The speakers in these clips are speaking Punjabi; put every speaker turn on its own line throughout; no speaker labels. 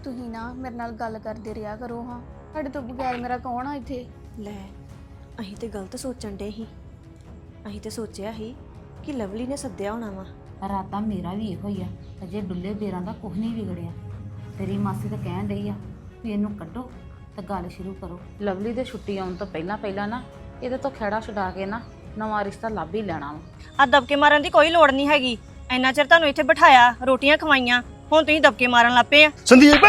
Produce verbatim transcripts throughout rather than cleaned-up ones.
ਤੁਸੀਂ ਨਾ ਮੇਰੇ ਨਾਲ ਗੱਲ ਕਰਦੇ ਰਿਹਾ ਕਰੋ ਹਾਂ। ਤੁਹਾਡੇ ਤੋਂ ਬਗੈਰ ਮੇਰਾ ਕੌਣ ਆ ਇੱਥੇ?
ਲੈ ਅਸੀਂ ਤੇ ਗਲਤ ਸੋਚਣ ਡੇ ਸੀ। ਅਸੀਂ ਤੇ ਸੋਚਿਆ ਸੀ ਕਿ ਲਵਲੀ ਨੇ ਸੱਦਿਆ ਹੋਣਾ ਵਾ।
ਰਾਤਾ ਮੇਰਾ ਵੀ ਇਹੋ ਹੀ ਆ। ਅਜੇ ਡੁੱਲੇ ਬੇਰਾਂ ਦਾ ਕੁਝ ਨਹੀਂ ਵਿਗੜਿਆ। ਤੇਰੀ ਮਾਸੀ ਤਾਂ ਕਹਿਣ ਡਈ ਆ ਵੀ ਇਹਨੂੰ ਕੱਢੋ ਤੇ ਗੱਲ ਸ਼ੁਰੂ ਕਰੋ। ਲਵਲੀ ਦੇ ਛੁੱਟੀ ਆਉਣ ਤੋਂ ਪਹਿਲਾਂ ਪਹਿਲਾਂ ਨਾ ਇਹਦੇ ਤੋਂ ਖਹਿੜਾ ਛਡਾ ਕੇ ਨਾ ਨਵਾਂ ਰਿਸ਼ਤਾ ਲੱਭ ਹੀ ਲੈਣਾ ਵਾ।
ਆ ਦਬਕੇ ਮਾਰਨ ਦੀ ਕੋਈ ਲੋੜ ਨਹੀਂ ਹੈਗੀ। ਇੰਨਾ ਚਿਰ ਤੁਹਾਨੂੰ ਇੱਥੇ ਬਿਠਾਇਆ, ਰੋਟੀਆਂ ਖਵਾਈਆਂ, ਹੁਣ ਤੁਸੀਂ ਦਬਕੇ ਮਾਰਨ ਲੱਪੇ ਆ।
ਸੰਦੀਪ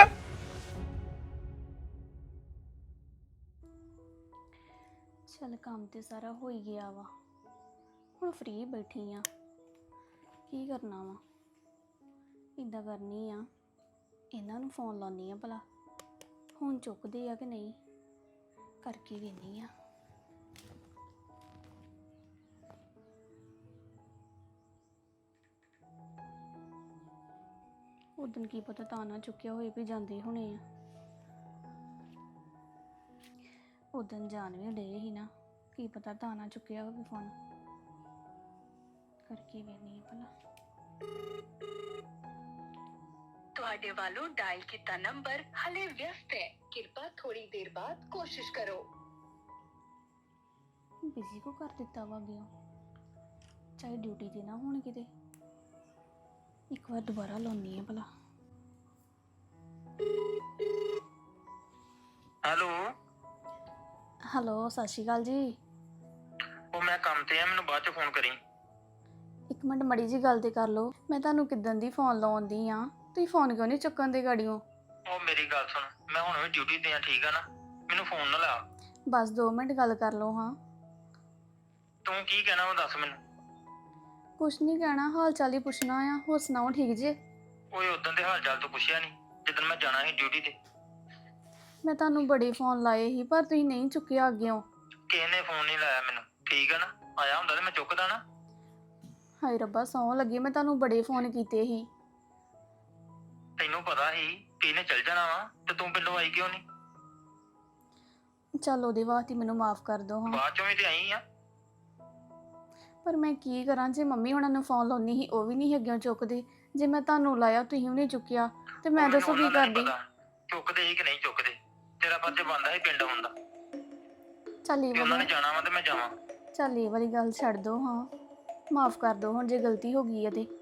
ਚੱਲ ਕੰਮ ਤੇ ਸਾਰਾ ਹੋ ਹੀ ਗਿਆ ਵਾ, ਹੁਣ ਫ੍ਰੀ ਬੈਠੀ ਆ। ਕੀ ਕਰਨਾ ਵਾ? ਇੱਦਾਂ ਕਰਨੀ ਆ, ਇਹਨਾਂ ਨੂੰ ਫੋਨ ਲਾਉਣੀ ਆ ਭਲਾ ਹੁਣ ਚੁੱਕਦੇ ਆ ਕਿ ਨਹੀਂ, ਕਰਕੇ ਵੇਖਦੀ ਆ। ਉਦਣ ਕੀ ਪਤਾ ਤਾਂ ਨਾ ਚੁੱਕਿਆ ਹੋਏ ਵੀ ਜਾਂਦੇ ਹੋਣੇ ਆ। ਉਦਣ ਜਾਣ ਵੀ ਡੇ ਹੀ ਨਾ, ਕੀ ਪਤਾ ਤਾਂ ਨਾ ਚੁੱਕਿਆ ਹੋਵੇ ਫੋਨ, ਕਰਕੇ ਵੇਖਦੀ ਆ ਭਲਾ।
ਤੁਹਾਡੇ ਵੱਲੋਂ ਡਾਇਲ ਕੀਤਾ ਨੰਬਰ ਹਲੇ ਵਿਅਸਤ ਹੈ, ਕਿਰਪਾ ਥੋੜੀ ਦੇਰ ਬਾਅਦ ਕੋਸ਼ਿਸ਼ ਕਰੋ।
ਬਿਜ਼ੀ ਕੋ ਕਰ ਦਿੱਤਾ ਵਾ ਗਿਆ, ਚਾਹੇ ਡਿਊਟੀ ਤੇ ਨਾ ਹੋਣ ਕਿਤੇ। ਇੱਕ ਵਾਰ ਦੁਬਾਰਾ ਲਾਉਣੀ ਆ ਭਲਾ।
ਹੈਲੋ
ਹੈਲੋ, ਸਤਿ ਸ਼੍ਰੀ ਅਕਾਲ ਜੀ।
ਉਹ ਮੈਂ ਕੰਮ ਤੇ ਆ, ਮੈਨੂੰ ਬਾਅਦ ਚ ਫੋਨ ਕਰੀ।
ਇੱਕ ਮਿੰਟ ਮੜੀ ਜੀ ਗੱਲ ਤੇ ਕਰ ਲਓ। ਮੈਂ ਤੁਹਾਨੂੰ ਕਿੱਦਣ ਦੀ ਫੋਨ ਲਾਉਂਦੀ ਆ, ਤੁਸੀਂ ਫੋਨ ਕਿਉਂ ਨਹੀਂ ਚੁੱਕਣ ਦੇ ਗਾੜੀਓ?
ਉਹ ਮੇਰੀ ਗੱਲ ਸੁਣ, ਮੈਂ ਹੁਣ ਵੀ ਡਿਊਟੀ ਤੇ ਆ, ਠੀਕ ਆ ਨਾ? ਮੈਨੂੰ ਫੋਨ ਨਾ ਲਾ।
ਬਸ ਦੋ ਮਿੰਟ ਗੱਲ ਕਰ ਲਓ। ਹਾਂ
ਤੂੰ ਕੀ ਕਹਿਣਾ ਉਹ ਦੱਸ ਮੈਨੂੰ।
ਕੁਛ ਨਹੀਂ ਕਹਿਣਾ, ਹਾਲ ਚਾਲ ਹੀ ਪੁੱਛਣਾ ਆ। ਹੋਰ ਸੁਣਾਓ, ਠੀਕ ਜੇ?
ਓਏ ਉਦੋਂ ਦੇ ਹਾਲ ਚਾਲ ਤੋਂ ਪੁੱਛਿਆ ਨਹੀਂ ਜਦੋਂ ਮੈਂ ਜਾਣਾ ਸੀ ਡਿਊਟੀ ਤੇ।
ਮੈਂ ਤੁਹਾਨੂੰ ਬੜੇ ਫੋਨ ਲਾਏ ਸੀ ਪਰ ਤੁਸੀਂ ਨਹੀਂ ਚੁੱਕਿਆ ਅੱਗਿਓਂ।
ਕਿਸੇ ਨੇ ਫੋਨ ਨਹੀਂ ਲਾਇਆ ਮੈਨੂੰ, ਠੀਕ ਆ ਨਾ? ਆਇਆ ਹੁੰਦਾ ਤੇ ਮੈਂ ਚੁੱਕਦਾ ਨਾ।
ਹਾਏ ਰੱਬਾ, ਸੌਂ ਲੱਗੀ, ਮੈਂ ਤੁਹਾਨੂੰ ਬੜੇ ਫੋਨ ਕੀਤੇ ਸੀ।
ਤੈਨੂੰ ਪਤਾ ਸੀ ਕਿ ਇਹਨੇ ਚੱਲ ਜਾਣਾ ਵਾ ਤੇ ਤੂੰ ਪਿੰਡੋਂ ਆਈ ਕਿਉਂ ਨਹੀਂ?
ਚੱਲ ਉਹਦੇ ਵਾਸਤੇ ਮੈਨੂੰ ਮਾਫ ਕਰ ਦਿਓ। ਹਾਂ
ਬਾਅਦ ਚੋਂ ਵੀ ਤੇ ਆਈ ਆ।
ਪਰ ਮੈਂ ਕੀ ਕਰਾਂ, ਜੇ ਮੰਮੀ ਹੁਣਾਂ ਨੂੰ ਫੋਨ ਲਾਉਣੀ ਸੀ ਉਹ ਵੀ ਨਹੀਂ ਅੱਗਿਓਂ ਚੁੱਕਦੇ, ਜੇ ਮੈਂ ਤੁਹਾਨੂੰ ਲਾਇਆ ਤੁਸੀਂ ਵੀ ਨਹੀਂ ਚੁੱਕਿਆ, ਤੇ ਮੈਂ ਦੱਸੋ ਕੀ ਕਰਦੀ?
ਚੁੱਕਦੇ ਸੀ ਕਿ ਨਹੀਂ ਚੁੱਕਦੇ, ਤੇਰਾ ਫਰਜ਼ ਬਣਦਾ ਸੀ ਪਿੰਡ ਆਉਣ ਦਾ।
ਚੱਲ ਇਹ
ਉਹਨਾਂ ਨੇ
ਵਾਲੀ
ਜਾਣਾ ਵਾ ਤੇ ਮੈਂ ਜਾਵਾਂ।
ਚੱਲ ਇਹ ਵਾਲੀ ਗੱਲ ਛੱਡ ਦਿਓ। ਹਾਂ ਮਾਫ ਕਰ ਦਿਓ ਹੁਣ, ਜੇ ਗਲਤੀ ਹੋ ਗਈ ਹੈ ਤੇ।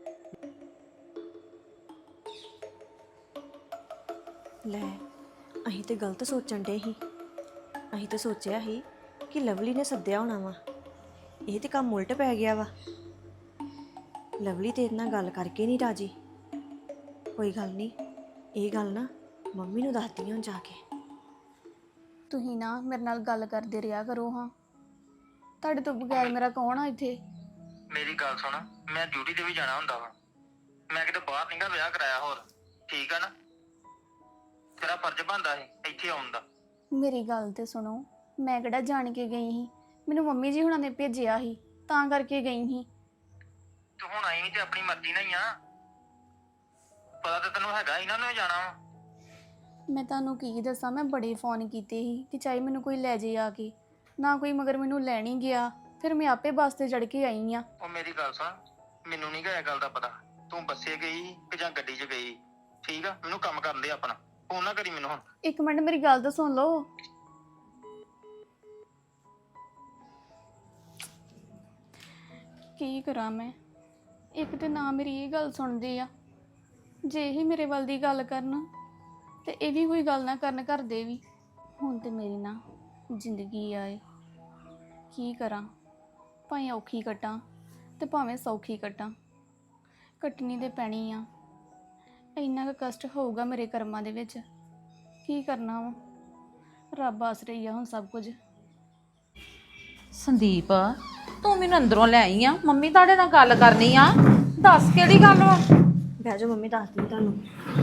ਲੈ ਅਸੀਂ ਤੇ ਗਲਤ ਸੋਚਣ ਡੇ ਸੀ। ਅਸੀਂ ਤੇ ਸੋਚਿਆ ਸੀ ਕਿ ਲਵਲੀ ਨੇ ਸੱਦਿਆ ਹੋਣਾ ਵਾ। ਇਹ ਤੇ ਕੰਮ ਉਲਟ ਪੈ ਗਿਆ ਵਾ। ਲਵਲੀ ਤੇ ਇਹਨਾਂ ਗੱਲ ਕਰਕੇ ਨਹੀਂ ਰਾਜੀ। ਕੋਈ ਗੱਲ ਨਹੀਂ, ਇਹ ਗੱਲ ਨਾ ਮੰਮੀ ਨੂੰ ਦੱਸਦੀ ਹਾਂ ਜਾ ਕੇ।
ਤੁਸੀਂ ਨਾ ਮੇਰੇ ਨਾਲ ਗੱਲ ਕਰਦੇ ਰਿਹਾ ਕਰੋ। ਹਾਂ ਤੁਹਾਡੇ ਤੋਂ ਬਗੈਰ ਮੇਰਾ ਕੌਣ ਆ ਇੱਥੇ?
ਮੇਰੀ ਗੱਲ ਸੁਣ, ਮੈਂ ਡਿਊਟੀ ਤੇ ਵੀ ਜਾਣਾ ਹੁੰਦਾ ਵਾ। ਮੈਂ ਕਿਤੇ ਬਾਹਰ ਨਹੀਂਗਾ ਵਿਆਹ ਕਰਾਇਆ ਹੋਰ, ਠੀਕ ਆ ਨਾ? ਤੇਰਾ ਫਰਜ਼ ਬਣਦਾ ਸੀ ਇੱਥੇ ਆਉਣ ਦਾ।
ਮੇਰੀ ਗੱਲ ਤੇ ਸੁਣੋ, ਮੈਂ ਕਿਹੜਾ ਜਾਣ ਕੇ ਗਈ ਸੀ? ਮੈਨੂੰ ਮੰਮੀ ਜੀ ਹੁਣਾਂ ਨੇ ਭੇਜਿਆ ਸੀ ਤਾਂ ਕਰਕੇ ਗਈ ਸੀ।
ਤੂੰ ਹੁਣ ਆਈ ਵੀ ਤੇ ਆਪਣੀ ਮਰਜ਼ੀ ਨਾਲ ਹੀ ਆ। ਪਤਾ ਤਾਂ ਤੈਨੂੰ ਹੈਗਾ ਇਹਨਾਂ ਨੂੰ ਜਾਣਾ ਵਾ।
ਮੈਂ ਤੁਹਾਨੂੰ ਕੀ ਦੱਸਾਂ, ਮੈਂ ਬੜੇ ਫੋਨ ਕੀਤੇ ਸੀ ਕਿ ਚਾਹੇ ਮੈਨੂੰ ਕੋਈ ਲੈ ਜੇ ਆ ਕੇ, ਨਾ ਕੋਈ ਮਗਰ ਮੈਨੂੰ ਲੈਣ ਹੀ ਗਿਆ। ਫਿਰ ਮੈਂ ਆਪੇ ਬੱਸ ਤੇ ਚੜ ਕੇ ਆਈ ਆ।
ਉਹ ਮੇਰੀ ਗੱਲ ਸੁਣ, ਮੈਨੂੰ ਨਹੀਂ ਇਹ ਗੱਲ ਦਾ ਪਤਾ ਤੂੰ ਬੱਸੇ ਗਈ ਕਿ ਜਾਂ ਗੱਡੀ 'ਚ ਗਈ, ਠੀਕ ਆ? ਮੈਨੂੰ ਕੰਮ ਕਰਨ ਦੇ ਆਪਣਾ, ਫੋਨ ਨਾ ਕਰੀ ਮੈਨੂੰ ਹੁਣ।
ਇੱਕ ਮਿੰਟ ਮੇਰੀ ਗੱਲ ਤਾਂ ਸੁਣ ਲਓ। ਕੀ ਕਰਾਂ ਮੈਂ? ਇੱਕ ਤੇ ਨਾ ਮੇਰੀ ਇਹ ਗੱਲ ਸੁਣਦੇ ਆ, ਜੇ ਇਹ ਮੇਰੇ ਵੱਲ ਦੀ ਗੱਲ ਕਰਨ ਤੇ ਇਹ ਵੀ ਕੋਈ ਗੱਲ ਨਾ ਕਰਨ ਘਰ ਦੇ ਵੀ। ਹੁਣ ਤੇ ਮੇਰੀ ਨਾ ਜ਼ਿੰਦਗੀ ਆਏ, ਕੀ ਕਰਾਂ? ਭਾਵੇਂ ਔਖੀ ਕੱਟਾਂ ਤੇ ਭਾਵੇਂ ਸੌਖੀ ਕੱਟਾਂ, ਕੱਟਣੀ ਤੇ ਪੈਣੀ ਆ। ਇੰਨਾ ਕੁ ਕਸ਼ਟ ਹੋਊਗਾ ਮੇਰੇ ਕਰਮਾਂ ਦੇ ਵਿੱਚ, ਕੀ ਕਰਨਾ ਵਾ? ਰੱਬ ਆਸਰੇ ਹੀ ਆ ਹੁਣ ਸਭ ਕੁਝ।
ਸੰਦੀਪ, ਤੂੰ ਮੈਨੂੰ ਅੰਦਰੋਂ ਲੈ ਆਈ ਆ, ਮੰਮੀ ਤੁਹਾਡੇ ਨਾਲ ਗੱਲ ਕਰਨੀ ਆ। ਦੱਸ ਕਿਹੜੀ ਗੱਲ ਵਾ?
ਬਹਿ ਜਾਓ ਮੰਮੀ, ਦੱਸਦੀ ਤੁਹਾਨੂੰ।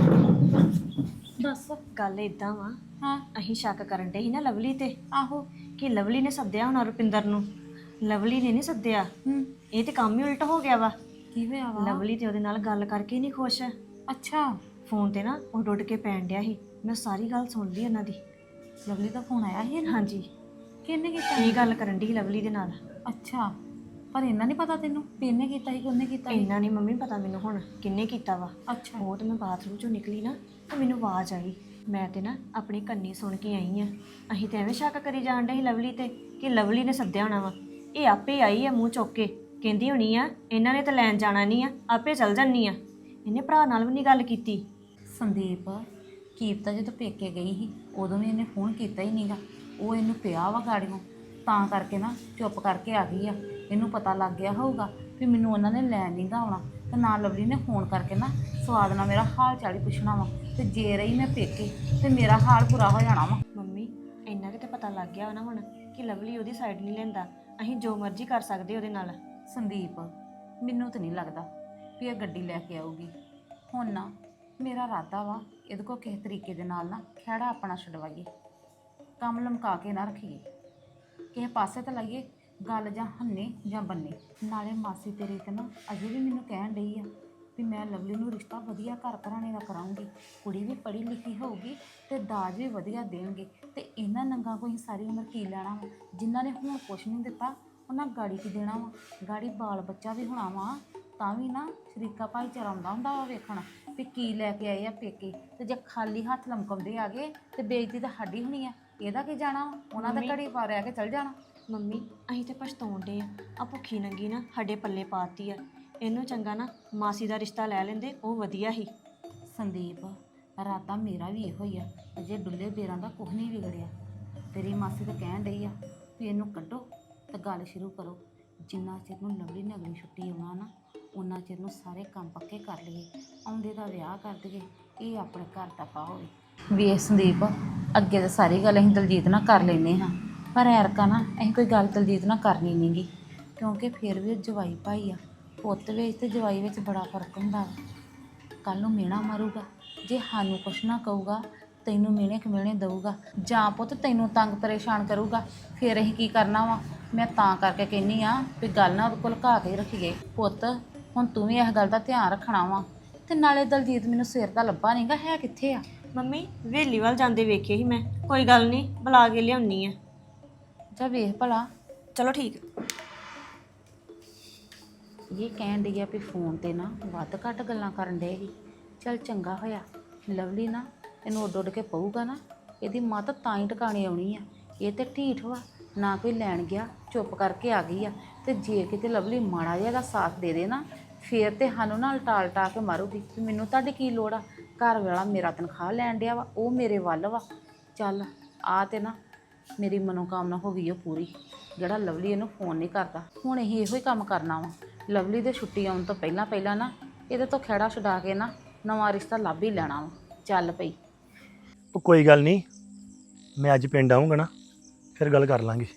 ਦੱਸ।
ਗੱਲ ਇਦਾਂ ਵਾ,
ਹਾਂ
ਅਸੀਂ ਸ਼ੱਕ ਕਰਨ ਡੇ ਸੀ ਨਾ ਲਵਲੀ ਤੇ,
ਆਹੋ।
ਕਿ ਲਵਲੀ ਨੇ ਸੱਦਿਆ ਹੋਣਾ ਰੁਪਿੰਦਰ ਨੂੰ। ਲਵਲੀ ਨੇ ਨਹੀਂ ਸੱਦਿਆ।
ਹੂੰ,
ਇਹ ਤੇ ਕੰਮ ਹੀ ਉਲਟ ਹੋ ਗਿਆ ਵਾ।
ਕੀ ਹੋਇਆ ਵਾ?
ਲਵਲੀ ਤੇ ਉਹਦੇ ਨਾਲ ਗੱਲ ਕਰਕੇ ਨਹੀਂ ਖੁਸ਼।
ਅੱਛਾ,
ਫੋਨ ਤੇ ਨਾ ਉਹ ਡੁੱਟ ਕੇ ਪੈਣ ਡਿਆ ਸੀ। ਮੈਂ ਸਾਰੀ ਗੱਲ ਸੁਣ ਲਈ ਉਹਨਾਂ ਦੀ।
ਲਵਲੀ ਦਾ ਫੋਨ ਆਇਆ ਸੀ ਇਹਨੂੰ?
ਹਾਂਜੀ।
ਕਿਹਨੇ ਕੀਤਾ?
ਇਹ ਗੱਲ ਕਰਨ ਦੀ ਲਵਲੀ ਦੇ ਨਾਲ।
ਅੱਛਾ, ਪਰ ਇਹਨਾਂ ਨਹੀਂ ਪਤਾ ਤੈਨੂੰ ਵੀ ਇਹਨੇ ਕੀਤਾ ਸੀ ਕਿ ਉਹਨੇ ਕੀਤਾ ਸੀ?
ਇੰਨਾ ਨਹੀਂ ਮੰਮੀ ਪਤਾ ਮੈਨੂੰ ਹੁਣ ਕਿੰਨੇ ਕੀਤਾ ਵਾ।
ਅੱਛਾ,
ਉਹ ਤੇ ਮੈਂ ਬਾਥਰੂਮ ਚੋਂ ਨਿਕਲੀ ਨਾ ਤਾਂ ਮੈਨੂੰ ਆਵਾਜ਼ ਆਈ। ਮੈਂ ਤੇ ਨਾ ਆਪਣੀ ਕੰਨੀ ਸੁਣ ਕੇ ਆਈ ਆ। ਅਸੀਂ ਤੇ ਐਵੇਂ ਸ਼ੱਕ ਕਰੀ ਜਾਣ ਡੇ ਸੀ ਲਵਲੀ ਤੇ ਕਿ ਲਵਲੀ ਨੇ ਸੱਦਿਆ ਹੋਣਾ ਵਾ। ਇਹ ਆਪੇ ਆਈ ਆ ਮੂੰਹ ਚੁੱਕ ਕੇ, ਕਹਿੰਦੀ ਹੋਣੀ ਆ ਇਹਨਾਂ ਨੇ ਤਾਂ ਲੈਣ ਜਾਣਾ ਨਹੀਂ ਆ, ਆਪੇ ਚੱਲ ਜਾਨੀ ਆ। ਇਹਨੇ ਭਰਾ ਨਾਲ ਵੀ ਨਹੀਂ ਗੱਲ ਕੀਤੀ।
ਸੰਦੀਪ ਕੀਪਤਾ ਜਦੋਂ ਪੇਕੇ ਗਈ ਸੀ ਉਦੋਂ ਵੀ ਇਹਨੇ ਫੋਨ ਕੀਤਾ ਹੀ ਨਹੀਂਗਾ। ਉਹ ਇਹਨੂੰ ਪਿਆ ਵਾ ਗਾੜੀਆਂ, ਤਾਂ ਕਰਕੇ ਨਾ ਚੁੱਪ ਕਰਕੇ ਆ ਗਈ ਆ। ਇਹਨੂੰ ਪਤਾ ਲੱਗ ਗਿਆ ਹੋਊਗਾ ਵੀ ਮੈਨੂੰ ਉਹਨਾਂ ਨੇ ਲੈਣ ਨਹੀਂ ਗਾ ਆਉਣਾ, ਤੇ ਨਾ ਲਵਲੀ ਨੇ ਫੋਨ ਕਰਕੇ ਨਾ ਸਵਾਦ ਨਾਲ ਮੇਰਾ ਹਾਲ ਚਾਲ ਹੀ ਪੁੱਛਣਾ ਵਾ। ਤੇ ਜੇ ਰਹੀ ਮੈਂ ਪੇਕੇ ਤੇ ਮੇਰਾ ਹਾਲ ਬੁਰਾ ਹੋ ਜਾਣਾ ਵਾ।
ਮੰਮੀ ਇੰਨਾ ਕਿ ਤੇ ਪਤਾ ਲੱਗ ਗਿਆ ਨਾ ਹੁਣ ਕਿ ਲਵਲੀ ਉਹਦੀ ਸਾਈਡ ਨਹੀਂ ਲੈਂਦਾ। ਅਸੀਂ ਜੋ ਮਰਜ਼ੀ ਕਰ ਸਕਦੇ ਉਹਦੇ ਨਾਲ।
ਸੰਦੀਪ ਮੈਨੂੰ ਤਾਂ ਨਹੀਂ ਲੱਗਦਾ ਵੀ ਇਹ ਗੱਡੀ ਲੈ ਕੇ ਆਊਗੀ। ਹੁਣ ਨਾ ਮੇਰਾ ਇਰਾਦਾ ਵਾ ਇਹਦੇ ਕੋਲ ਕਿਸੇ ਤਰੀਕੇ ਦੇ ਨਾਲ ਨਾ ਖਹਿੜਾ ਆਪਣਾ ਛਡਵਾਈਏ, ਕੰਮ ਲਮਕਾ ਕੇ ਨਾ ਰੱਖੀਏ, ਕਿਸੇ ਪਾਸੇ ਤਾਂ ਲਾਈਏ ਗੱਲ, ਜਾਂ ਹੰਨੇ ਜਾਂ ਬੰਨੇ। ਨਾਲੇ ਮਾਸੀ ਤੇਰੀ ਤੇ ਨਾ ਅਜੇ ਵੀ ਮੈਨੂੰ ਕਹਿਣ ਡਈ ਆ ਵੀ ਮੈਂ ਲਵਲੀ ਨੂੰ ਰਿਸ਼ਤਾ ਵਧੀਆ ਘਰ ਘਰਾਣੇ ਦਾ ਕਰਾਉਂਗੀ, ਕੁੜੀ ਵੀ ਪੜ੍ਹੀ ਲਿਖੀ ਹੋਊਗੀ ਤੇ ਦਾਜ ਵੀ ਵਧੀਆ ਦੇਣਗੇ। ਤੇ ਇਹਨਾਂ ਨੰਗਾ ਕੋਈ ਸਾਰੀ ਉਮਰ ਕੀ ਲੈਣਾ ਵਾ? ਜਿਨ੍ਹਾਂ ਨੇ ਹੁਣ ਕੁਛ ਨਹੀਂ ਦਿੱਤਾ ਉਹਨਾਂ ਗਾੜੀ ਕੀ ਦੇਣਾ ਵਾ? ਗਾੜੀ ਬਾਲ ਬੱਚਾ ਵੀ ਹੋਣਾ ਵਾ, ਤਾਂ ਵੀ ਨਾ ਸ਼ਰੀਕਾ ਭਾਈਚਾਰਾ ਆਉਂਦਾ ਹੁੰਦਾ ਵਾ ਵੇਖਣ ਵੀ ਕੀ ਲੈ ਕੇ ਆਏ ਆ ਪੇਕੇ। ਤੇ ਜੇ ਖਾਲੀ ਹੱਥ ਲਮਕਾਉਂਦੇ ਆ ਗਏ ਤੇ ਬੇਇੱਜ਼ਤੀ ਤਾਂ ਸਾਡੀ ਹੋਣੀ ਆ। ਇਹਦਾ ਕੀ ਜਾਣਾ ਵਾ? ਉਹਨਾਂ ਦਾ ਘੜੀ ਪਾ ਰਿਆ ਕੇ ਚੱਲ ਜਾਣਾ।
ਮੰਮੀ ਅਸੀਂ ਤੇ ਪਛਤਾਉਣ ਡੇ ਆ। ਆ ਭੁੱਖੀ ਨੰਗੀ ਨਾ ਸਾਡੇ ਪੱਲੇ ਪਾਤੀ ਆ। ਇਹਨੂੰ ਚੰਗਾ ਨਾ ਮਾਸੀ ਦਾ ਰਿਸ਼ਤਾ ਲੈ ਲੈਂਦੇ, ਉਹ ਵਧੀਆ ਸੀ।
ਸੰਦੀਪ ਰਾਤਾ ਮੇਰਾ ਵੀ ਇਹੋ ਹੀ ਆ, ਅਜੇ ਡੁੱਲੇ ਬੇਰਾਂ ਦਾ ਕੁਝ ਨਹੀਂ ਵਿਗੜਿਆ। ਤੇਰੀ ਮਾਸੀ ਤਾਂ ਕਹਿਣ ਡਈ ਆ ਵੀ ਇਹਨੂੰ ਕੱਢੋ ਤੇ ਗੱਲ ਸ਼ੁਰੂ ਕਰੋ। ਜਿੰਨਾ ਚਿਰ ਨੂੰ ਲਵਲੀ ਨੇ ਅਗਲੀ ਛੁੱਟੀ ਆਉਣਾ ਨਾ ਉਹਨਾਂ ਚਿਰ ਨੂੰ ਸਾਰੇ ਕੰਮ ਪੱਕੇ ਕਰ ਲਈਏ, ਆਉਂਦੇ ਦਾ ਵਿਆਹ ਕਰ ਦਈਏ, ਇਹ ਆਪਣੇ ਘਰ ਦਾ ਪਾ ਹੋਵੇ। ਵੇਖ ਸੰਦੀਪ ਅੱਗੇ ਤਾਂ ਸਾਰੀ ਗੱਲ ਅਸੀਂ ਦਲਜੀਤ ਨਾਲ ਕਰ ਲੈਂਦੇ ਹਾਂ, ਪਰ ਐਰਕਾ ਨਾ ਅਸੀਂ ਕੋਈ ਗੱਲ ਦਲਜੀਤ ਨਾਲ ਕਰਨੀ ਨਹੀਂ ਗੀ, ਕਿਉਂਕਿ ਫਿਰ ਵੀ ਜਵਾਈ ਭਾਈ ਆ। ਪੁੱਤ ਵਿੱਚ ਤੇ ਜਵਾਈ ਵਿੱਚ ਬੜਾ ਫਰਕ ਹੁੰਦਾ ਵਾ। ਕੱਲ੍ਹ ਨੂੰ ਮਿਹਣਾ ਮਾਰੂਗਾ, ਜੇ ਸਾਨੂੰ ਕੁਛ ਨਾ ਕਹੂਗਾ ਤੈਨੂੰ ਮਿਹਣੇ ਖਮੇਣੇ ਦਊਗਾ, ਜਾਂ ਪੁੱਤ ਤੈਨੂੰ ਤੰਗ ਪਰੇਸ਼ਾਨ ਕਰੂਗਾ, ਫਿਰ ਅਸੀਂ ਕੀ ਕਰਨਾ ਵਾ? ਮੈਂ ਤਾਂ ਕਰਕੇ ਕਹਿੰਦੀ ਆ ਵੀ ਗੱਲ ਨਾ ਉਹਦੇ ਕੋਲ ਘਾ ਕੇ ਰੱਖੀਏ। ਪੁੱਤ ਹੁਣ ਤੂੰ ਵੀ ਇਸ ਗੱਲ ਦਾ ਧਿਆਨ ਰੱਖਣਾ ਵਾ। ਤੇ ਨਾਲੇ ਦਲਜੀਤ ਮੈਨੂੰ ਸਿਰ ਦਾ ਲੱਭਾ ਨਹੀਂਗਾ, ਹੈ ਕਿੱਥੇ ਆ?
ਮੰਮੀ ਹਵੇਲੀ ਵੱਲ ਜਾਂਦੇ ਵੇਖੇ ਸੀ ਮੈਂ। ਕੋਈ ਗੱਲ ਨਹੀਂ, ਬੁਲਾ ਕੇ ਲਿਆਉਣੀ ਆ।
ਜਾ ਵੇਖ ਭਲਾ।
ਚਲੋ ਠੀਕ।
ਇਹ ਕਹਿਣ ਡਈ ਆ ਵੀ ਫੋਨ ਤੇ ਨਾ ਵੱਧ ਘੱਟ ਗੱਲਾਂ ਕਰਨ ਡੇ ਸੀ। ਚੱਲ ਚੰਗਾ ਹੋਇਆ ਲਵਲੀ ਨਾ ਇਹਨੂੰ ਉੱਡ ਉੱਡ ਕੇ ਪਊਗਾ ਨਾ, ਇਹਦੀ ਮੱਤ ਤਾਂ ਹੀ ਟਿਕਾਣੇ ਆਉਣੀ ਆ। ਇਹ ਤੇ ਢੀਠ ਵਾ, ਨਾ ਕੋਈ ਲੈਣ ਗਿਆ, ਚੁੱਪ ਕਰਕੇ ਆ ਗਈ ਆ। ਤੇ ਜੇ ਕਿਤੇ ਲਵਲੀ ਮਾੜਾ ਜਿਹਾ ਦਾ ਸਾਥ ਦੇ ਦੇ ਨਾ, ਫੇਰ ਤੇ ਸਾਨੂੰ ਨਾਲ ਟਾਲ ਟਾ ਕੇ ਮਾਰੂਗੀ ਵੀ ਮੈਨੂੰ ਤੁਹਾਡੀ ਕੀ ਲੋੜ ਆ? ਘਰ ਵਾਲਾ ਮੇਰਾ ਤਨਖਾਹ ਲੈਣ ਡਿਆ ਵਾ, ਉਹ ਮੇਰੇ ਵੱਲ ਵਾ। ਚੱਲ ਆ ਤੇ ਨਾ ਮੇਰੀ ਮਨੋਕਾਮਨਾ ਹੋ ਗਈ ਉਹ ਪੂਰੀ, ਜਿਹੜਾ ਲਵਲੀ ਇਹਨੂੰ ਫੋਨ ਨਹੀਂ ਕਰਦਾ। ਹੁਣ ਅਸੀਂ ਇਹੋ ਹੀ ਕੰਮ ਕਰਨਾ ਵਾ। ਲਵਲੀ ਦੇ ਛੁੱਟੀ ਆਉਣ ਤੋਂ ਪਹਿਲਾਂ ਪਹਿਲਾਂ ਨਾ ਇਹਦੇ ਤੋਂ ਖਹਿੜਾ ਛੁਡਾ ਕੇ ਨਾ ਨਵਾਂ ਰਿਸ਼ਤਾ ਲੱਭ ਹੀ ਲੈਣਾ ਵਾ। ਚੱਲ ਪਈ।
ਉਹ ਕੋਈ ਗੱਲ ਨਹੀਂ, ਮੈਂ ਅੱਜ ਪਿੰਡ ਆਊਂਗਾ ਨਾ ਫਿਰ ਗੱਲ ਕਰ ਲਾਂਗੇ।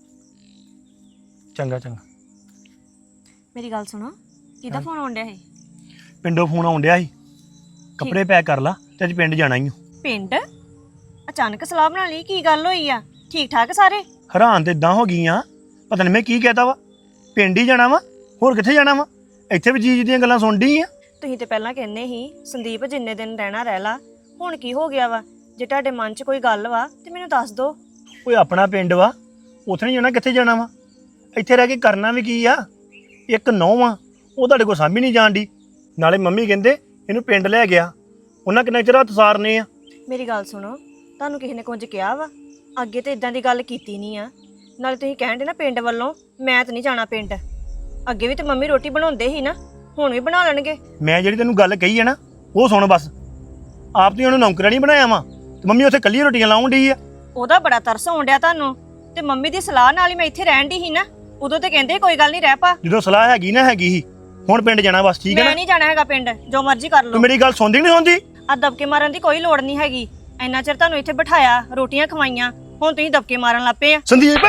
ਚੰਗਾ ਚੰਗਾ।
ਮੇਰੀ ਗੱਲ ਸੁਣੋ, ਕਿਹਦਾ ਫੋਨ ਆਉਣ ਡਿਆ ਸੀ?
ਪਿੰਡੋਂ ਫੋਨ ਆਉਣ ਡਿਆ ਸੀ, ਕੱਪੜੇ ਪੈਕ ਕਰ ਲਾ ਤੇ ਅੱਜ ਪਿੰਡ ਜਾਣਾ ਹੀ ਓ।
ਪਿੰਡ? ਅਚਾਨਕ ਸਲਾਹ ਬਣਾ ਲਈ, ਕੀ ਗੱਲ ਹੋਈ ਆ? ਠੀਕ ਠਾਕ ਸਾਰੇ?
ਹੈਰਾਨ ਤੇ ਇਦਾਂ ਹੋ ਗਈਆਂ, ਪਤਾ ਨਹੀਂ ਮੈਂ ਕੀ ਕਹਿਤਾ ਵਾ। ਪਿੰਡ ਹੀ ਜਾਣਾ ਵਾ, ਹੋਰ ਕਿੱਥੇ ਜਾਣਾ ਵਾ? ਇੱਥੇ ਵੀ ਜੀ ਦੀਆਂ ਗੱਲਾਂ ਸੁਣ ਡਈ ਆ।
ਤੁਸੀਂ ਤੇ ਪਹਿਲਾਂ ਕਹਿੰਦੇ ਸੀ ਸੰਦੀਪ ਜਿੰਨੇ ਦਿਨ ਰਹਿਣਾ ਰਹਿ ਲਾ, ਹੁਣ ਕੀ ਹੋ ਗਿਆ ਵਾ? ਜੇ ਤੁਹਾਡੇ ਮਨ 'ਚ ਕੋਈ ਗੱਲ ਵਾ ਤੇ ਮੈਨੂੰ ਦੱਸ ਦਿਓ।
ਕੋਈ ਆਪਣਾ ਪਿੰਡ ਵਾ, ਉੱਥੇ ਨਹੀਂ ਜਾਣਾ, ਕਿੱਥੇ ਜਾਣਾ ਵਾ? ਇੱਥੇ ਰਹਿ ਕੇ ਕਰਨਾ ਵੀ ਕੀ ਆ? ਇੱਕ ਨੌਂ ਆ, ਉਹ ਤੁਹਾਡੇ ਕੋਲ ਸਾਂਭੀ ਨਹੀਂ ਜਾਣ ਦੀ। ਨਾਲੇ ਮੰਮੀ ਕਹਿੰਦੇ ਇਹਨੂੰ ਪਿੰਡ ਲੈ ਗਿਆ, ਉਹਨਾਂ ਕਿੰਨਾ ਚਿਰ ਹੱਥ ਸਾਰਨੇ ਆ।
ਮੇਰੀ ਗੱਲ ਸੁਣੋ, ਤੁਹਾਨੂੰ ਕਿਸੇ ਨੇ ਕੁਝ ਕਿਹਾ ਵਾ? ਅੱਗੇ ਤੇ ਇਦਾਂ ਦੀ ਗੱਲ ਕੀਤੀ ਨਹੀਂ ਆ। ਨਾਲੇ ਤੁਸੀਂ ਕਹਿੰਦੇ ਨਾ ਪਿੰਡ ਵੱਲੋਂ, ਮੈਂ ਤਾਂ ਨਹੀਂ ਜਾਣਾ ਪਿੰਡ। ਅੱਗੇ ਵੀ ਤੇ ਮੰਮੀ ਰੋਟੀ ਬਣਾਉਂਦੇ ਸੀ ਨਾ, ਹੁਣ ਵੀ ਬਣਾ ਲੈਣਗੇ।
ਮੈਂ ਜਿਹੜੀ ਤੈਨੂੰ ਗੱਲ ਕਹੀ ਹੈ ਨਾ ਉਹ ਸੁਣ ਬਸ। ਆਪ ਤੇ ਉਹਨੂੰ ਨੌਕਰਾਂ ਨਹੀਂ ਬਣਾਇਆ ਵਾ, ਤੇ ਮੰਮੀ ਉੱਥੇ ਕੱਲੀ ਰੋਟੀਆਂ ਲਾਉਣ ਡਈ ਆ।
ਉਹਦਾ ਬੜਾ ਤਰਸ ਆਉਣ ਡਿਆ ਤੁਹਾਨੂੰ, ਤੇ ਮੰਮੀ ਦੀ ਸਲਾਹ ਨਾਲ ਹੀ ਮੈਂ ਇੱਥੇ ਰਹਿਣ ਦੀ ਸੀ ਨਾ। ਉਦੋਂ ਤੇ ਕਹਿੰਦੇ ਕੋਈ ਗੱਲ ਨਹੀਂ ਰਹਿ ਪਾ।
ਜਦੋਂ ਸਲਾਹ ਹੈਗੀ ਨਾ ਹੈਗੀ ਸੀ, ਹੁਣ ਪਿੰਡ ਜਾਣਾ ਬਸ, ਠੀਕ ਹੈ
ਮੈਂ
ਨਾ?
ਨਹੀਂ ਜਾਣਾ ਹੈਗਾ ਪਿੰਡ, ਜੋ ਮਰਜ਼ੀ ਕਰ ਲਓ।
ਤੂੰ ਮੇਰੀ ਗੱਲ ਸੁਣਦੀ ਨਹੀਂ ਹੁੰਦੀ?
ਆ ਦਬਕੇ ਮਾਰਨ ਦੀ ਕੋਈ ਲੋੜ ਨਹੀਂ ਹੈਗੀ। ਇੰਨਾ ਚਿਰ ਤੁਹਾਨੂੰ ਇੱਥੇ ਬਿਠਾਇਆ, ਰੋਟੀਆਂ ਖਵਾਈਆਂ, ਹੁਣ ਤੁਸੀਂ ਦਬਕੇ ਮਾਰਨ ਲੱਗ ਪਏ ਆ।
ਸੰਦੀਪ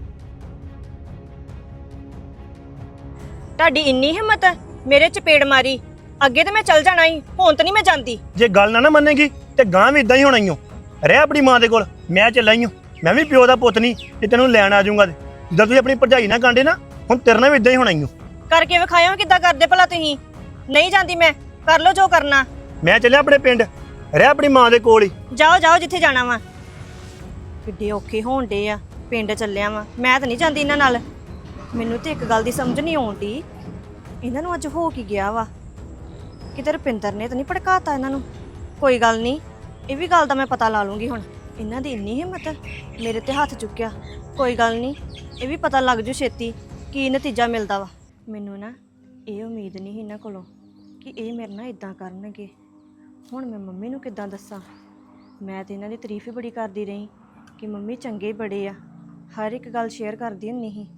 ਤੁਹਾਡੀ ਇੰਨੀ ਹਿੰਮਤ ਮੇਰੇ ਚਪੇੜ ਮਾਰੀ? ਅੱਗੇ ਤੇ ਮੈਂ ਚੱਲ ਜਾਣਾ ਸੀ, ਹੁਣ ਤਾਂ ਨਹੀਂ ਮੈਂ ਜਾਂਦੀ।
ਜੇ ਗੱਲ ਨਾ ਨਾ ਮੰਨੇਗੀ ਤੇ ਗਾਂ ਵੀ ਇਦਾਂ ਹੀ ਹੋਣਾ ਈ ਓ। ਰਹਿ ਆਪਣੀ ਮਾਂ ਦੇ ਕੋਲ, ਮੈਂ ਚੱਲਾ ਈ ਓ। ਮੈਂ ਵੀ ਪਿਓ ਦਾ ਪੁੱਤ ਨਹੀਂ ਤੇ ਤੈਨੂੰ ਲੈਣ ਆ ਜਾਊਂਗਾ। ਜਿੱਦਾਂ ਤੁਸੀਂ ਆਪਣੀ ਭਰਜਾਈ ਨਾਲ ਕਾਂਡੇ ਨਾ, ਹੁਣ ਤੇਰੇ ਨਾਲ ਵੀ ਇਦਾਂ ਹੀ ਹੋਣਾ ਈ ਓ।
ਕਰਕੇ ਵਿਖਾਇਓ ਕਿੱਦਾਂ ਕਰਦੇ ਭਲਾ ਤੁਸੀਂ। ਨਹੀਂ ਜਾਂਦੀ ਮੈਂ, ਕਰ ਲਓ ਜੋ ਕਰਨਾ।
ਮੈਂ ਚੱਲਿਆ ਆਪਣੇ ਪਿੰਡ, ਰਹਿ ਆਪਣੀ ਮਾਂ ਦੇ ਕੋਲ ਹੀ।
ਜਾਓ ਜਾਓ ਜਿੱਥੇ ਜਾਣਾ ਵਾ। ਕਿੱਡੇ ਔਖੇ ਹੋਣ ਡੇ ਆ, ਪਿੰਡ ਚੱਲਿਆ ਵਾ। ਮੈਂ ਤਾਂ ਨਹੀਂ ਜਾਂਦੀ ਇਹਨਾਂ ਨਾਲ। ਮੈਨੂੰ ਤੇ ਇੱਕ ਗੱਲ ਦੀ ਸਮਝ ਨਹੀਂ ਆਉਂਦੀ, ਇਹਨਾਂ ਨੂੰ ਅੱਜ ਹੋ ਕੀ ਗਿਆ ਵਾ? ਕਿਤੇ ਰੁਪਿੰਦਰ ਨੇ ਤਾਂ ਨਹੀਂ ਭੜਕਾਤਾ ਇਹਨਾਂ ਨੂੰ? ਕੋਈ ਗੱਲ ਨਹੀਂ, ਇਹ ਵੀ ਗੱਲ ਦਾ ਮੈਂ ਪਤਾ ਲਾ ਲੂੰਗੀ ਹੁਣ। ਇਹਨਾਂ ਦੀ ਇੰਨੀ ਹਿੰਮਤ ਮੇਰੇ ਤੇ ਹੱਥ ਚੁੱਕਿਆ। ਕੋਈ ਗੱਲ ਨਹੀਂ, ਇਹ ਵੀ ਪਤਾ ਲੱਗ ਜੂ ਛੇਤੀ ਕੀ ਨਤੀਜਾ ਮਿਲਦਾ ਵਾ। ਮੈਨੂੰ ਨਾ ਇਹ ਉਮੀਦ ਨਹੀਂ ਸੀ ਇਹਨਾਂ ਕੋਲੋਂ ਕਿ ਇਹ ਮੇਰੇ ਨਾਲ ਇਦਾਂ ਕਰਨਗੇ। ਹੁਣ ਮੈਂ ਮੰਮੀ ਨੂੰ ਕਿੱਦਾਂ ਦੱਸਾਂ? ਮੈਂ ਤੇ ਇਹਨਾਂ ਦੀ ਤਾਰੀਫ ਹੀ ਬੜੀ ਕਰਦੀ ਰਹੀ ਕਿ ਮੰਮੀ ਚੰਗੇ ਬੜੇ ਆ, ਹਰ ਇੱਕ ਗੱਲ ਸ਼ੇਅਰ ਕਰਦੀ ਹੁੰਦੀ ਸੀ।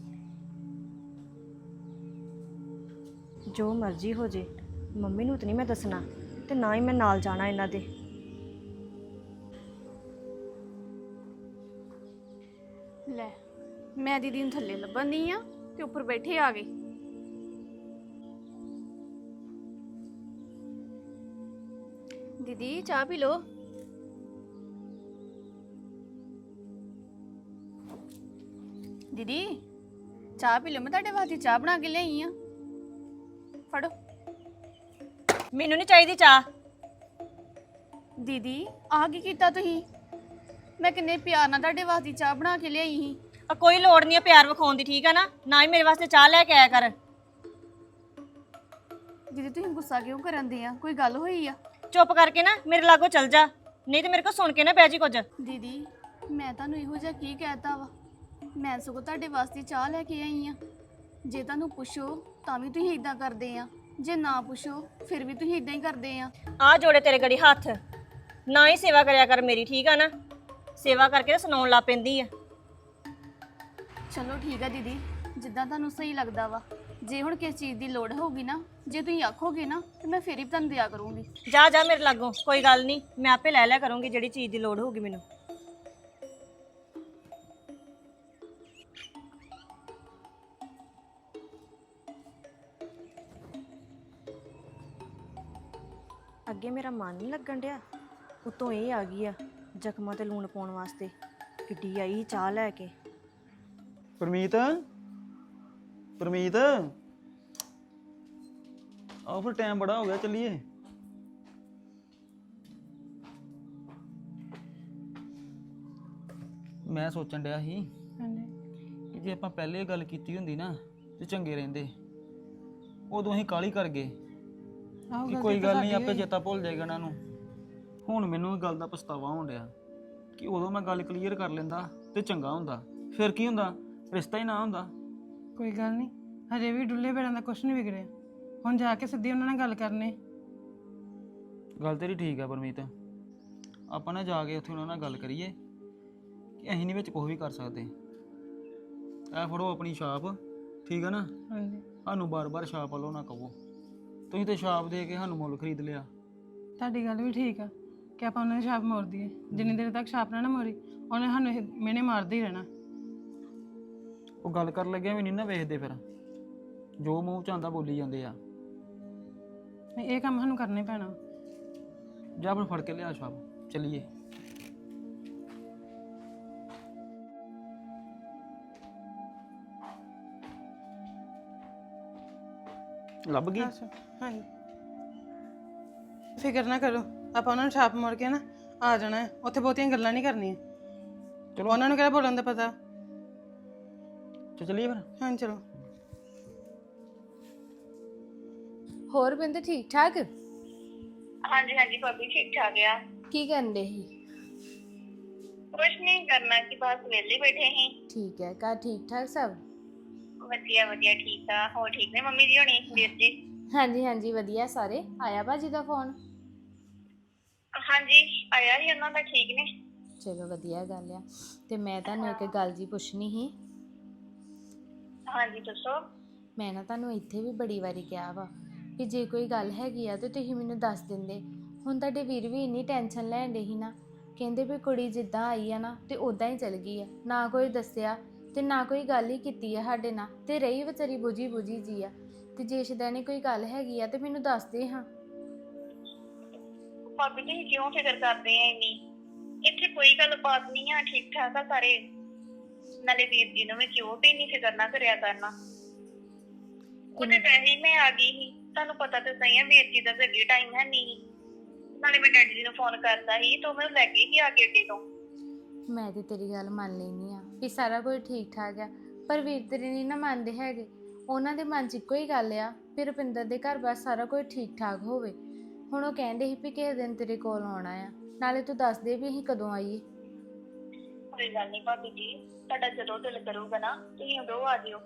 ਜੋ ਮਰਜ਼ੀ ਹੋ ਜੇ, ਮੰਮੀ ਨੂੰ ਤਾਂ ਨਹੀਂ ਮੈਂ ਦੱਸਣਾ ਤੇ ਨਾ ਹੀ ਮੈਂ ਨਾਲ ਜਾਣਾ ਇਹਨਾਂ ਦੇ।
ਲੈ, ਮੈਂ ਦੀਦੀ ਨੂੰ ਥੱਲੇ ਲੱਭਣ ਨਹੀਂ ਆ ਤੇ ਉੱਪਰ ਬੈਠੇ ਆ ਗਏ। ਦੀਦੀ ਚਾਹ ਪੀ ਲੋ। ਦੀਦੀ ਚਾਹ ਪੀ ਲੋ, ਮੈਂ ਤੁਹਾਡੇ ਵਾਸਤੇ ਚਾਹ ਬਣਾ ਕੇ ਲਿਆਈ ਆ। ਫੜੋ।
ਮੈਨੂੰ ਨਹੀਂ ਚਾਹੀਦੀ ਚਾਹ।
ਦੀਦੀ ਆ ਕੀ ਕੀਤਾ ਤੁਸੀਂ? ਮੈਂ ਕਿੰਨੇ ਪਿਆਰ ਨਾਲ ਤੁਹਾਡੇ ਵਾਸਤੇ ਚਾਹ ਬਣਾ ਕੇ ਲਿਆਈ ਸੀ।
ਆ ਕੋਈ ਲੋੜ ਨਹੀਂ ਹੈ ਪਿਆਰ ਵਿਖਾਉਣ ਦੀ, ਠੀਕ ਆ ਨਾ? ਨਾ ਹੀ ਮੇਰੇ ਵਾਸਤੇ ਚਾਹ ਲੈ ਕੇ ਆਇਆ ਕਰ।
ਦੀਦੀ ਤੁਸੀਂ ਗੁੱਸਾ ਕਿਉਂ ਕਰਨ ਦੇ ਆ? ਕੋਈ ਗੱਲ ਹੋਈ ਆ?
ਚੁੱਪ ਕਰਕੇ ਨਾ ਮੇਰੇ ਲਾਗੋਂ ਚਲ ਜਾ, ਨਹੀਂ ਤੇ ਮੇਰੇ ਕੋਲ ਸੁਣ ਕੇ ਨਾ ਬਹਿ ਜੀ ਕੁਝ।
ਦੀਦੀ ਮੈਂ ਤੁਹਾਨੂੰ ਇਹੋ ਜਿਹਾ ਕੀ ਕਹਿਤਾ ਵਾ? ਮੈਂ ਸਗੋਂ ਤੁਹਾਡੇ ਵਾਸਤੇ ਚਾਹ ਲੈ ਕੇ ਆਈ ਆ। ਜੇ ਤੁਹਾਨੂੰ ਪੁੱਛੋ ਤਾਂ ਵੀ ਤੁਸੀਂ ਇਦਾਂ ਕਰਦੇ ਆ, ਜੇ ਨਾ ਪੁੱਛੋ ਫਿਰ ਵੀ ਤੁਸੀਂ ਇਦਾਂ ਹੀ ਕਰਦੇ ਆ।
ਆ ਜੋੜੇ ਤੇਰੇ ਗੜੀ ਹੱਥ, ਨਾ ਹੀ ਸੇਵਾ ਕਰਿਆ ਕਰ ਮੇਰੀ, ਠੀਕ ਆ ਨਾ? ਸੇਵਾ ਕਰਕੇ ਤਾਂ ਸੁਣਾਉਣ ਲੱਗ ਪੈਂਦੀ ਆ।
ਚਲੋ ਠੀਕ ਆ ਦੀਦੀ, ਜਿੱਦਾਂ ਤੁਹਾਨੂੰ ਸਹੀ ਲੱਗਦਾ ਵਾ। ਜੇ ਹੁਣ ਕਿਸ ਚੀਜ਼ ਦੀ ਲੋੜ ਹੋਊਗੀ ਨਾ, ਜੇ ਤੁਸੀਂ ਆਖੋਗੇ ਨਾ ਤੇ ਮੈਂ ਫੇਰ ਹੀ ਤੁਹਾਨੂੰ ਦਿਆ ਕਰੂੰਗੀ।
ਜਾ ਜਾ ਮੇਰੇ ਲਾਗੋਂ, ਕੋਈ ਗੱਲ ਨਹੀਂ, ਮੈਂ ਆਪੇ ਲੈ ਲਿਆ ਕਰੂੰਗੀ ਜਿਹੜੀ ਚੀਜ਼ ਦੀ ਲੋੜ ਹੋਊਗੀ ਮੈਨੂੰ। ਅੱਗੇ ਮੇਰਾ ਮਨ ਨਹੀਂ ਲੱਗਣ ਡਿਆ, ਉਤੋਂ ਇਹ ਆ ਗਈ ਆ ਜ਼ਖਮਾਂ ਤੇ ਲੂਣ ਪਾਉਣ ਵਾਸਤੇ। ਕਿੱਡੀ ਆਈ ਚਾਹ ਲੈ ਕੇ।
ਪਰਮੀਤ ਪਰਮੀਤ ਆਓ ਫਿਰ, ਟਾਈਮ ਬੜਾ ਹੋ ਗਿਆ, ਚੱਲੀਏ। ਮੈਂ ਸੋਚਣ ਡਿਆ ਸੀ ਕਿ ਜੇ ਆਪਾਂ ਪਹਿਲੇ ਗੱਲ ਕੀਤੀ ਹੁੰਦੀ ਨਾ ਤੇ ਚੰਗੇ ਰਹਿੰਦੇ। ਉਦੋਂ ਅਸੀਂ ਕਾਹਲੀ ਕਰ ਗਏ ਕਿ ਕੋਈ ਗੱਲ ਨਹੀਂ, ਆਪੇ ਚੇਤਾ ਭੁੱਲ ਜਾਏਗਾ ਇਹਨਾਂ ਨੂੰ। ਹੁਣ ਮੈਨੂੰ ਇਹ ਗੱਲ ਦਾ ਪਛਤਾਵਾ ਹੋਣ ਡਿਆ ਕਿ ਉਦੋਂ ਮੈਂ ਗੱਲ ਕਲੀਅਰ ਕਰ ਲੈਂਦਾ ਤੇ ਚੰਗਾ ਹੁੰਦਾ। ਫਿਰ ਕੀ ਹੁੰਦਾ, ਰਿਸ਼ਤਾ ਹੀ ਨਾ ਹੁੰਦਾ।
ਕੋਈ ਗੱਲ ਨਹੀਂ, ਹਜੇ ਵੀ ਡੁੱਲੇ ਬੇੜਾਂ ਦਾ ਕੁਛ ਨਹੀਂ ਵਿਗੜਿਆ। ਹੁਣ ਜਾ ਕੇ ਸਿੱਧੀ ਉਹਨਾਂ ਨਾਲ ਗੱਲ ਕਰਨੇ।
ਗੱਲ ਤੇਰੀ ਠੀਕ ਆ ਪਰਮੀਤ, ਆਪਾਂ ਨਾ ਜਾ ਕੇ ਉੱਥੇ ਉਹਨਾਂ ਨਾਲ ਗੱਲ ਕਰੀਏ ਕਿ ਅਸੀਂ ਨਹੀਂ ਵਿੱਚ ਕੁਝ ਵੀ ਕਰ ਸਕਦੇ। ਇਹ ਫੜੋ ਆਪਣੀ ਛਾਪ, ਠੀਕ ਆ ਨਾ?
ਹਾਂਜੀ,
ਸਾਨੂੰ ਬਾਰ-ਬਾਰ ਛਾਪ ਵੱਲੋਂ ਨਾ ਕਹੋ। ਤੁਸੀਂ ਤੇ ਛਾਪ ਦੇ ਕੇ ਸਾਨੂੰ ਮੁੱਲ ਖਰੀਦ ਲਿਆ।
ਤੁਹਾਡੀ ਗੱਲ ਵੀ ਠੀਕ ਆ ਕਿ ਆਪਾਂ ਉਹਨਾਂ ਦੀ ਛਾਪ ਮੋੜ ਦਈਏ। ਜਿੰਨੀ ਦੇਰ ਤੱਕ ਛਾਪ ਨਾ ਨਾ ਮੋੜੀ, ਉਹਨੇ ਸਾਨੂੰ ਇਹ ਮਿਹਣੇ ਮਾਰਦੇ ਹੀ ਰਹਿਣਾ।
ਉਹ ਗੱਲ ਕਰਨ ਲੱਗਿਆ ਵੀ ਨਹੀਂ ਨਾ ਵੇਖਦੇ, ਫਿਰ ਜੋ ਮੂੰਹ ਚ ਆਉਂਦਾ ਬੋਲੀ ਜਾਂਦੇ ਆ।
ਨਹੀਂ, ਇਹ ਕੰਮ ਸਾਨੂੰ ਕਰਨਾ ਹੀ ਪੈਣਾ।
ਜਾ ਫਿਰ ਫੜ ਕੇ ਲਿਆ ਛਾਪ, ਚੱਲੀਏ। ਲੱਭ ਗਈ?
ਅੱਛਾ, ਹਾਂਜੀ, ਫਿਕਰ ਨਾ ਕਰੋ, ਆਪਾਂ ਉਹਨਾਂ ਨੂੰ ਛਾਪ ਮੋੜ ਕੇ ਨਾ ਆ ਜਾਣਾ ਹੈ। ਉੱਥੇ ਬਹੁਤੀਆਂ ਗੱਲਾਂ ਨਹੀਂ ਕਰਨੀਆਂ।
ਚਲੋ
ਉਹਨਾਂ ਨੂੰ ਕਿਹੜਾ ਬੋਲਣ ਦਾ ਪਤਾ।
ਤੇ ਚੱਲੀਏ ਫਿਰ।
ਹਾਂ ਚਲੋ।
ਹੋਰ ਬਿੰਦ ਠੀਕ ਠਾਕ?
ਹਾਂਜੀ ਹਾਂਜੀ ਭਾਬੀ ਠੀਕ ਠਾਕ ਆ।
ਕੀ ਕਰਦੇ ਸੀ?
ਕੁਛ ਨਹੀਂ ਕਰਨਾ ਕਿ ਬਸ ਵਿਹਲੇ ਬੈਠੇ ਸੀ।
ਠੀਕ ਹੈ, ਘਰ ਠੀਕ ਠਾਕ ਸਭ?
ਵਧੀਆ ਵਧੀਆ ਠੀਕ ਆ। ਹੋਰ ਠੀਕ ਨੇ ਮੰਮੀ ਜੀ ਹੋਣੀ, ਵੀਰ ਜੀ?
ਹਾਂਜੀ ਹਾਂਜੀ ਵਧੀਆ ਸਾਰੇ। ਆਇਆ ਬਾਜੀ ਦਾ ਫੋਨ?
ਹਾਂਜੀ ਆਇਆ ਸੀ ਉਹਨਾਂ ਦਾ, ਠੀਕ ਨੇ।
ਚਲੋ ਵਧੀਆ ਗੱਲ ਆ। ਤੇ ਮੈਂ ਤੁਹਾਨੂੰ ਇੱਕ ਗੱਲ ਜੀ ਪੁੱਛਣੀ ਸੀ।
ਹਾਂਜੀ ਦੱਸੋ।
ਮੈਂ ਨਾ ਤੁਹਾਨੂੰ ਇੱਥੇ ਵੀ ਬੜੀ ਵਾਰੀ ਕਿਹਾ ਵਾ ਕਿ ਜੇ ਕੋਈ ਗੱਲ ਹੈਗੀ ਆ ਤੇ ਤੁਸੀਂ ਮੈਨੂੰ ਦੱਸ ਦਿੰਦੇ। ਹੁਣ ਤੁਹਾਡੇ ਵੀਰ ਵੀ ਇੰਨੀ ਟੈਨਸ਼ਨ ਲੈਣ ਡੇ ਸੀ ਨਾ, ਕਹਿੰਦੇ ਵੀ ਕੁੜੀ ਜਿੱਦਾਂ ਆਈ ਆ ਨਾ ਤੇ ਉਦਾਂ ਹੀ ਚਲ ਗਈ ਆ, ਨਾ ਕੋਈ ਦੱਸਿਆ ਤੇ ਨਾ ਕੋਈ ਗੱਲ ਹੀ ਕੀਤੀ ਆ ਸਾਡੇ ਨਾਲ, ਤੇ ਰਹੀ ਵਿਚਾਰੀ ਬੁਝੀ ਬੁਝੀ ਜੀ ਆ। ਤੇ ਜੇ ਸ਼ਦਾ ਨੇ ਕੋਈ ਗੱਲ ਹੈਗੀ ਆ ਤੇ ਮੈਨੂੰ ਦੱਸ ਦੇ ਹਾਂ।
ਭਾਬੀ ਜੀ ਕਿਉਂ ਫਿਕਰ ਕਰਦੇ ਆ ਇੰਨੀ? ਇੱਥੇ ਕੋਈ ਗੱਲ ਬਾਤ ਨਹੀਂ ਆ, ਠੀਕ ਠਾਕ ਆ ਸਾਰੇ। ਨਾਲੇ ਵੀਰ ਜੀ ਨੂੰ ਵੀ ਕਿਉਂ ਵੀ ਇੰਨੀ ਫਿਕਰ ਨਾ ਕਰਿਆ ਕਰਨਾ। ਉਹਦੇ ਵੈਸੇ ਹੀ ਮੈਂ ਆ ਗਈ ਸੀ, ਤੁਹਾਨੂੰ ਪਤਾ ਤਾਂ ਸਹੀ ਆ ਵੀਰ ਜੀ ਦਾ ਤਾਂ ਅੱਗੇ ਟਾਈਮ ਹੈ ਨਹੀਂ। ਨਾਲੇ ਮੈਂ ਡੈਡੀ ਜੀ ਨੂੰ ਫੋਨ ਕਰਤਾ ਸੀ ਤਾਂ ਮੈਨੂੰ ਲੈ ਕੇ ਹੀ ਆ ਕੇ ਅੱਡੇ ਤੋਂ।
ਮੈਂ ਤੇ ਤੇਰੀ ਗੱਲ ਮੰਨ ਲੈਂਦੀ ਆ ਵੀ ਸਾਰਾ ਕੁਝ ਠੀਕ ਠਾਕ ਆ, ਪਰ ਵੀਰ ਤੇਰੇ ਨਹੀਂ ਨਾ ਮੰਨਦੇ ਹੈਗੇ। ਉਹਨਾਂ ਦੇ ਮਨ 'ਚ ਇੱਕੋ ਹੀ ਗੱਲ ਆ ਵੀ ਰੁਪਿੰਦਰ ਦੇ ਘਰ ਬਸ ਸਾਰਾ ਕੁਝ ਠੀਕ ਠਾਕ ਹੋਵੇ। ਹੁਣ ਉਹ ਕਹਿੰਦੇ ਸੀ ਵੀ ਕਿਸੇ ਦਿਨ ਤੇਰੇ ਕੋਲ ਆਉਣਾ ਆ, ਨਾਲੇ ਤੂੰ ਦੱਸ ਦੇ ਵੀ ਅਸੀਂ ਕਦੋਂ ਆਈਏ।
ਕੋਈ ਗੱਲ ਨਹੀਂ ਭਾਬੀ ਜੀ, ਤੁਹਾਡਾ ਜਦੋਂ ਦਿਲ ਕਰੂਗਾ ਨਾ ਤੁਸੀਂ ਉਦੋਂ ਆ ਜਿਓ।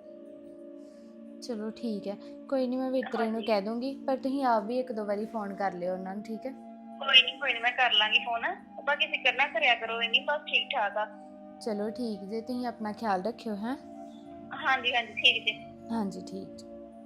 ਚਲੋ ਠੀਕ ਹੈ, ਕੋਈ ਨਹੀਂ, ਮੈਂ ਵਿਤਰੇ ਨੂੰ ਕਹਿ ਦੂੰਗੀ, ਪਰ ਤੁਸੀਂ ਆਪ ਵੀ ਇੱਕ ਦੋ ਵਾਰੀ ਫੋਨ ਕਰ ਲਿਓ ਉਹਨਾਂ ਨੂੰ, ਠੀਕ ਹੈ?
ਕੋਈ ਨਹੀਂ ਕੋਈ ਨਹੀਂ, ਮੈਂ ਕਰ ਲਾਂਗੀ ਫੋਨ। ਬਾਕੀ ਫਿਕਰ ਨਾ ਕਰਿਆ ਕਰੋ ਇੰਨੀ, ਬਸ ਠੀਕ ਠਾਕ ਆ।
ਚਲੋ ਠੀਕ ਜੇ, ਤੁਸੀਂ ਆਪਣਾ ਖਿਆਲ ਰੱਖਿਓ। ਹੈਂ?
ਹਾਂਜੀ ਹਾਂਜੀ ਠੀਕ ਜੀ।
ਹਾਂਜੀ ਠੀਕ ਜੀ।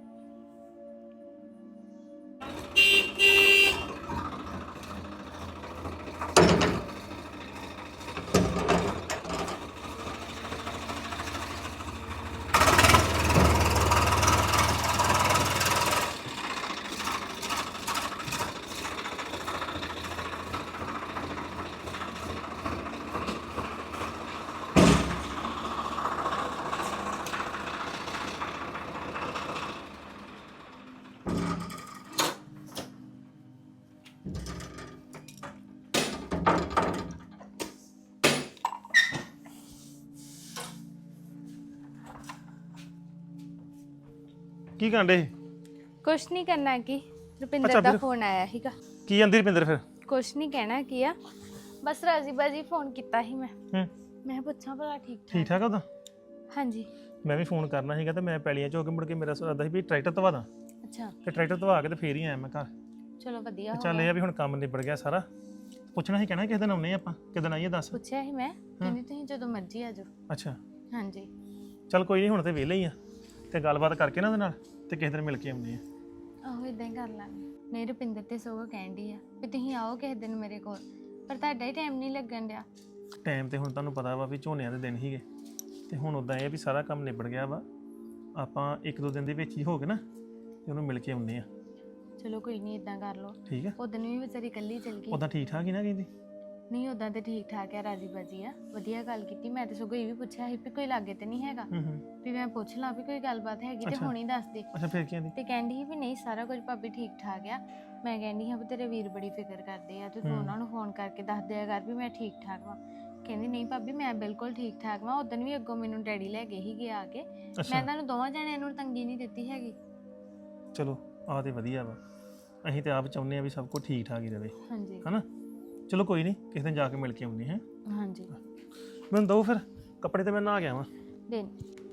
ਕੀ ਕਾਂਡੇ?
ਕੁਛ ਨਹੀਂ ਕਰਨਾ ਕੀ, ਰੁਪਿੰਦਰ
ਅੱਛਾ,
ਦਾ
ਫਿਰ-
ਫੋਨ ਆਇਆ ਸੀਗਾ।
ਕੀ ਆਂਦੀ ਰੁਪਿੰਦਰ ਫਿਰ?
ਕੁਛ ਨਹੀਂ ਕਹਿਣਾ ਕੀ ਆ, ਬਸ ਰਾਜੀ ਬਾਜੀ ਫੋਨ ਕੀਤਾ ਸੀ ਮੈਂ।
ਹੂੰ।
ਮੈਂ ਪੁੱਛਾਂ ਭਲਾ ਠੀਕ
ਠੀਕ
ਠਾਕ?
ਠਾਕ ਆ ਉਹਦਾ?
ਹਾਂਜੀ।
ਮੈਂ ਵੀ ਫੋਨ ਕਰਨਾ ਸੀਗਾ ਤੇ ਮੈਂ ਪੈਲੀਆਂ 'ਚ ਹੋ ਕੇ ਮੁੜ ਕੇ ਮੇਰਾ ਸੋਚਦਾ ਸੀ ਵੀ ਟਰੈਕਟਰ ਧਵਾ ਦਾਂ,
ਅੱਛਾ,
ਤੇ ਟਰੈਕਟਰ ਧਵਾ ਕੇ ਤੇ ਫੇਰ ਹੀ ਆਇਆ ਮੈਂ ਘਰ।
ਚਲੋ ਵਧੀਆ
ਤੇ
ਹੋ
ਚੱਲ ਇਹ
ਗਿਆ।
ਆ ਵੀ ਹੁਣ ਕੰਮ ਨਿਬੜ ਗਿਆ ਸਾਰਾ। ਪੁੱਛਣਾ ਸੀ, ਕਹਿਣਾ ਕਿਸੇ ਦਿਨ ਆਉਨੇ ਆਪਾਂ, ਕਿਦਣ ਆਈਏ ਦੱਸ।
ਪੁੱਛਿਆ ਸੀ ਮੈਂ, ਕਹਿੰਦੀ ਤੁਸੀਂ ਜਦੋਂ ਮਰਜ਼ੀ ਆ ਜਾਓ।
ਅੱਛਾ,
ਹਾਂਜੀ।
ਚੱਲ ਕੋਈ ਨਹੀਂ, ਹੁਣ ਤੇ ਵਿਹਲੇ ਹੀ ਆ, ਤੇ ਗੱਲਬਾਤ ਕਰਕੇ ਨਾ ਉਹਦੇ ਨਾਲ ਤੇ ਕਿਸੇ ਦਿਨ ਮਿਲ ਕੇ ਆਉਂਦੇ ਆ।
ਆਹੋ ਇਦਾਂ ਹੀ ਕਰ ਲਾਂਗੇ। ਨਹੀਂ, ਰੁਪਿੰਦਰ ਤੇ ਸਗੋਂ ਕਹਿੰਦੀ ਆ ਵੀ ਤੁਸੀਂ ਆਓ ਕਿਸੇ ਦਿਨ ਮੇਰੇ ਕੋਲ, ਪਰ ਤੁਹਾਡਾ ਹੀ ਟਾਈਮ ਨਹੀਂ ਲੱਗਣ ਡਿਆ।
ਟਾਈਮ ਤੇ ਹੁਣ ਤੁਹਾਨੂੰ ਪਤਾ ਵਾ ਵੀ ਝੋਨਿਆਂ ਦੇ ਦਿਨ ਹੀਗੇ, ਤੇ ਹੁਣ ਉਦਾਂ ਇਹ ਵੀ ਸਾਰਾ ਕੰਮ ਨਿਬੜ ਗਿਆ ਵਾ। ਆਪਾਂ ਇੱਕ ਦੋ ਦਿਨ ਦੇ ਵਿੱਚ ਹੀ ਹੋ ਕੇ ਨਾ ਤੇ ਉਹਨੂੰ ਮਿਲ ਕੇ ਆਉਂਦੇ ਆ।
ਚਲੋ ਕੋਈ ਨਹੀਂ, ਇਦਾਂ ਕਰ ਲਓ।
ਠੀਕ ਆ?
ਉਦੋਂ ਵੀ ਵਿਚਾਰੀ ਇਕੱਲੀ ਚਲ ਗਈ।
ਉਦਾਂ ਠੀਕ ਠਾਕ ਹੀ ਨਾ ਕਹਿੰਦੀ?
ਨਹੀਂ, ਉਦਾਂ ਤੇ ਠੀਕ ਠਾਕ ਆ, ਰਾਜੀ ਬਾਜੀ ਆ, ਵਧੀਆ ਗੱਲ ਕੀਤੀ। ਮੈਂ ਤੇ ਸਗੋਂ ਇਹ ਵੀ ਪੁੱਛਿਆ ਸੀ ਵੀ ਕੋਈ ਲਾਗੇ ਤੇ ਨਹੀਂ ਹੈਗਾ,
ਹੂੰ ਹੂੰ।
ਵੀ ਮੈਂ ਪੁੱਛ ਲਾਂ ਵੀ ਕੋਈ ਗੱਲਬਾਤ ਹੈਗੀ ਤੇ
ਅੱਛਾ।
ਹੁਣੀ ਦੱਸ ਦੇ।
ਅੱਛਾ, ਫਿਰ ਕੀ ਆਂਦੀ?
ਤੇ ਕਹਿੰਦੀ ਸੀ ਵੀ ਨਹੀਂ, ਸਾਰਾ ਕੁਝ ਭਾਬੀ ਠੀਕ ਠਾਕ ਆ। ਮੈਂ ਕਹਿੰਦੀ ਹਾਂ ਵੀ ਤੇਰੇ ਵੀਰ ਬੜੀ ਫਿਕਰ ਕਰਦੇ ਆ, ਤੇ ਤੂੰ
ਹੂੰ।
ਉਹਨਾਂ ਨੂੰ ਫੋਨ ਕਰਕੇ ਦੱਸ ਦਿਆ ਕਰ ਵੀ ਮੈਂ ਠੀਕ ਠਾਕ ਵਾਂ। ਕਹਿੰਦੀ ਨਹੀਂ ਭਾਬੀ, ਮੈਂ ਬਿਲਕੁਲ ਠੀਕ ਠਾਕ ਵਾਂ। ਉਦੋਂ ਵੀ ਅੱਗੋਂ ਮੈਨੂੰ ਡੈਡੀ ਲੈ ਗਏ ਸੀਗੇ ਆ ਕੇ। ਮੈਂ
ਅੱਛਾ,
ਤੁਹਾਨੂੰ ਦੋਵਾਂ ਜਣਿਆਂ ਨੂੰ ਤੰਗੀ ਨਹੀਂ ਦਿੱਤੀ ਹੈਗੀ।
ਚਲੋ ਆਹ ਤੇ ਵਧੀਆ ਵਾ। ਅਸੀਂ ਤੇ ਆਪ ਚਾਹੁੰਦੇ ਆ ਵੀ ਸਭ ਕੁਝ ਠੀਕ ਠਾਕ ਹੀ ਰਵੇ,
ਹਾਂਜੀ
ਹਨਾ? ਚਲੋ ਕੋਈ ਨਹੀਂ, ਕਿਸੇ ਦਿਨ ਜਾ ਕੇ ਮਿਲ ਕੇ ਆਉਂਦੇ ਹਾਂ।
ਹਾਂਜੀ।
ਮੈਨੂੰ ਦਓ ਫਿਰ ਕੱਪੜੇ, ਤੇ ਮੈਂ ਨਹਾ ਗਿਆ ਵਾਂ।
ਦਿਨ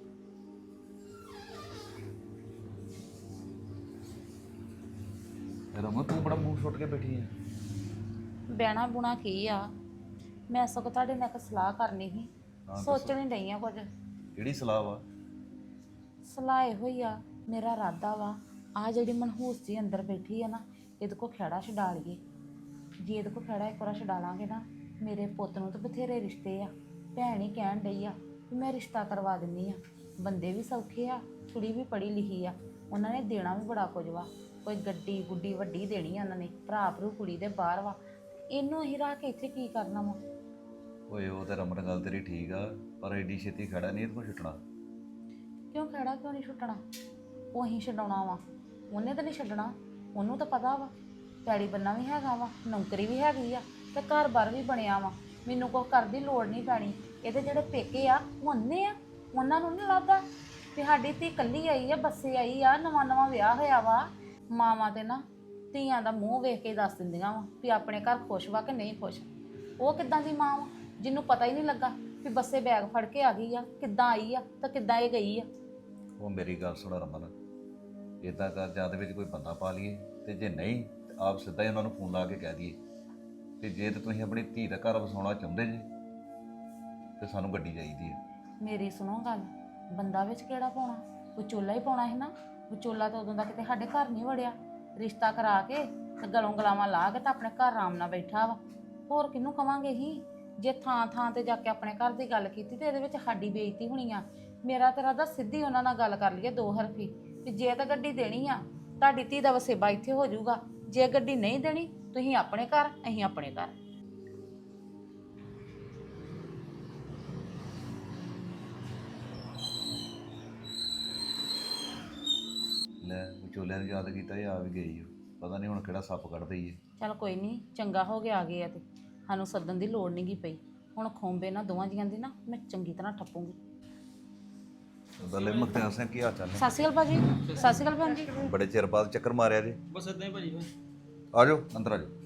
ਰਮਨ ਤੂੰ ਬੜਾ ਮੂੰਹ ਛੁੱਟ ਕੇ ਬੈਠੀ ਹੈ।
ਬਹਿਣਾ ਬੁਣਾ ਕੀ ਆ, ਮੈਂ ਸਗੋਂ ਤੁਹਾਡੇ ਨਾਲ ਇੱਕ ਸਲਾਹ ਕਰਨੀ ਸੀ, ਸੋਚਣੀ ਡਈ ਆ ਕੁਝ।
ਕਿਹੜੀ ਸਲਾਹ ਵਾ?
ਸਲਾਹ ਇਹੋ ਹੀ ਆ, ਮੇਰਾ ਇਰਾਦਾ ਵਾ ਆ ਜਿਹੜੀ ਮਨਹੂਸ ਜੀ ਅੰਦਰ ਬੈਠੀ ਆ ਨਾ, ਇਹਦੇ ਕੋ ਖਹਿੜਾ ਛਡਾ ਲਈਏ। ਜੇ ਇਹਦੇ ਕੋ ਖਹਿੜਾ ਇੱਕ ਵਾਰ ਛਡਾ ਲਾਂਗੇ ਨਾ, ਮੇਰੇ ਪੁੱਤ ਨੂੰ ਤਾਂ ਬਥੇਰੇ ਰਿਸ਼ਤੇ ਆ। ਭੈਣ ਹੀ ਕਹਿਣ ਡਈ ਆ ਵੀ ਮੈਂ ਰਿਸ਼ਤਾ ਕਰਵਾ ਦਿੰਨੀ ਆ। ਬੰਦੇ ਵੀ ਸੌਖੇ ਆ, ਕੁੜੀ ਵੀ ਪੜ੍ਹੀ ਲਿਖੀ ਆ, ਉਹਨਾਂ ਨੇ ਦੇਣਾ ਵੀ ਬੜਾ ਕੁਝ ਵਾ। ਕੋਈ ਗੱਡੀ ਗੁੱਡੀ ਵੱਡੀ ਦੇਣੀ ਆ ਉਹਨਾਂ ਨੇ, ਭਰਾ ਭਰੂ ਕੁੜੀ ਦੇ ਬਾਹਰ ਵਾ। ਇਹਨੂੰ ਅਸੀਂ ਰੱਖ ਕੇ ਇੱਥੇ ਕੀ ਕਰਨਾ ਵਾ?
ਓਏ ਉਹ ਤੇ ਰਮਨ ਗੱਲ ਤੇਰੀ ਠੀਕ ਆ, ਪਰ ਐਡੀ ਛੇਤੀ ਖੜਾ ਨਹੀਂ ਇਹਦੇ ਕੋਲ ਛੁੱਟਣਾ।
ਕਿਉਂ ਖਹਿੜਾ ਕਿਉਂ ਨਹੀਂ ਛੁੱਟਣਾ? ਉਹ ਅਸੀਂ ਛਡਾਉਣਾ ਵਾ, ਉਹਨੇ ਤਾਂ ਨਹੀਂ ਛੱਡਣਾ। ਉਹਨੂੰ ਤਾਂ ਪਤਾ ਵਾ ਪੈੜੀ ਬੰਨਾ ਵੀ ਹੈਗਾ ਵਾ, ਨੌਕਰੀ ਵੀ ਹੈਗੀ ਆ, ਤੇ ਘਰ-ਬਾਰ ਵੀ ਬਣਿਆ ਵਾ। ਮੈਨੂੰ ਕੁਛ ਕਰਨ ਦੀ ਲੋੜ ਨਹੀਂ ਪੈਣੀ। ਇਹਦੇ ਜਿਹੜੇ ਪੇਕੇ ਆ ਉਹ ਅੰਨੇ ਆ, ਉਹਨਾਂ ਨੂੰ ਨਹੀਂ ਲੱਗਦਾ ਵੀ ਸਾਡੀ ਧੀ ਇਕੱਲੀ ਆਈ ਆ, ਬੱਸੇ ਆਈ ਆ, ਨਵਾਂ ਨਵਾਂ ਵਿਆਹ ਹੋਇਆ ਵਾ। ਮਾਵਾਂ ਤੇ ਨਾ ਧੀਆਂ ਦਾ ਮੂੰਹ ਵੇਖ ਕੇ ਦੱਸ ਦਿੰਦੀਆਂ ਵਾ ਵੀ ਆਪਣੇ ਘਰ ਖੁਸ਼ ਵਾ ਕਿ ਨਹੀਂ ਖੁਸ਼। ਉਹ ਕਿੱਦਾਂ ਦੀ ਮਾਂ ਵਾ ਜਿਹਨੂੰ ਪਤਾ ਹੀ ਨਹੀਂ ਲੱਗਾ ਵੀ ਬੱਸੇ ਬੈਗ ਫੜ ਕੇ ਆ ਗਈ ਆ, ਕਿੱਦਾਂ ਆਈ ਆ ਤਾਂ ਕਿੱਦਾਂ ਇਹ ਗਈ ਆ।
ਉਹ ਮੇਰੀ ਗੱਲ ਸੁਣ ਰਮਨ, ਇਦਾਂ ਕਰ ਜਾਂ ਦੇ ਵਿੱਚ ਕੋਈ ਬੰਦਾ ਪਾ ਲਈਏ, ਤੇ ਜੇ ਨਹੀਂ ਤੇ ਆਪ ਸਿੱਧਾ ਹੀ ਉਹਨਾਂ ਨੂੰ ਫੋਨ ਲਾ ਕੇ ਕਹਿ ਦਈਏ ਤੇ ਜੇ ਤੇ ਤੁਸੀਂ ਆਪਣੀ ਧੀ ਦਾ ਘਰ ਵਸਾਉਣਾ ਚਾਹੁੰਦੇ ਜੇ ਤੇ ਸਾਨੂੰ ਗੱਡੀ ਚਾਹੀਦੀ ਹੈ।
ਮੇਰੀ ਸੁਣੋ ਗੱਲ, ਬੰਦਾ ਵਿੱਚ ਕਿਹੜਾ ਪਾਉਣਾ? ਵਿਚੋਲਾ ਹੀ ਪਾਉਣਾ ਸੀ ਨਾ। ਵਿਚੋਲਾ ਤਾਂ ਉਦੋਂ ਦਾ ਕਿਤੇ ਸਾਡੇ ਘਰ ਨਹੀਂ ਵੜਿਆ। ਰਿਸ਼ਤਾ ਕਰਾ ਕੇ ਤੇ ਗਲੋਂ ਗਲਾਵਾਂ ਲਾ ਕੇ ਤਾਂ ਆਪਣੇ ਘਰ ਆਰਾਮ ਨਾਲ ਬੈਠਾ ਵਾ। ਹੋਰ ਕਿਹਨੂੰ ਕਵਾਂਗੇ ਹੀ? ਜੇ ਥਾਂ ਥਾਂ ਤੇ ਜਾ ਕੇ ਆਪਣੇ ਘਰ ਦੀ ਗੱਲ ਕੀਤੀ ਤੇ ਇਹਦੇ ਵਿੱਚ ਸਾਡੀ ਬੇਇੱਜ਼ਤੀ ਹੋਣੀ ਆ। ਮੇਰਾ ਤੇਰਾ ਤਾਂ ਸਿੱਧੀ ਉਹਨਾਂ ਨਾਲ ਗੱਲ ਕਰ ਲਈਏ ਦੋ ਹਰਫੀ ਵੀ ਜੇ ਤਾਂ ਗੱਡੀ ਦੇਣੀ ਆ, ਤੁਹਾਡੀ ਧੀ ਦਾ ਵਸੇਬਾ ਇੱਥੇ ਹੋ ਜਾਊਗਾ। ਜੇ ਗੱਡੀ ਨਹੀਂ ਦੇਣੀ, ਤੁਸੀਂ ਆਪਣੇ ਘਰ, ਅਸੀਂ ਆਪਣੇ ਘਰ।
ਲੈ ਵਿਚੋਲਿਆਂ ਨੂੰ ਯਾਦ ਕੀਤਾ, ਇਹ ਆ ਵੀ ਗਈ ਓ। ਪਤਾ ਨਹੀਂ ਹੁਣ ਕਿਹੜਾ ਸੱਪ ਕੱਢ ਦਈਏ।
ਚਲ ਕੋਈ ਨਹੀਂ, ਚੰਗਾ ਹੋ ਗਿਆ ਆ ਗਏ ਆ ਤੇ ਸਾਨੂੰ ਸੱਦਣ ਦੀ ਲੋੜ ਨਹੀਂ ਗੀ ਪਈ। ਹੁਣ ਖੋਂਬੇ ਨਾ ਦੋਵਾਂ ਜੀਆਂ ਦੀ ਨਾ ਮੈਂ ਚੰਗੀ ਤਰ੍ਹਾਂ ਠੱਪੂਗੀ।
ਬੱਲੇ ਮੁਖਤਿਆਰ ਸਿੰਘ, ਕੀ ਹਾਲ ਚਾਲ ਨੇ?
ਸਤਿ ਸ਼੍ਰੀ ਅਕਾਲ ਭਾਜੀ। ਸਤਿ ਸ਼੍ਰੀ ਅਕਾਲ ਭੈਣ ਜੀ।
ਬੜੇ ਚਿਰ ਬਾਅਦ ਚੱਕਰ ਮਾਰਿਆ ਜੇ।
ਬਸ ਇਦਾਂ ਹੀ ਭਾਜੀ।
ਆ ਜਾਓ ਅੰਦਰ ਆ ਜਾਓ।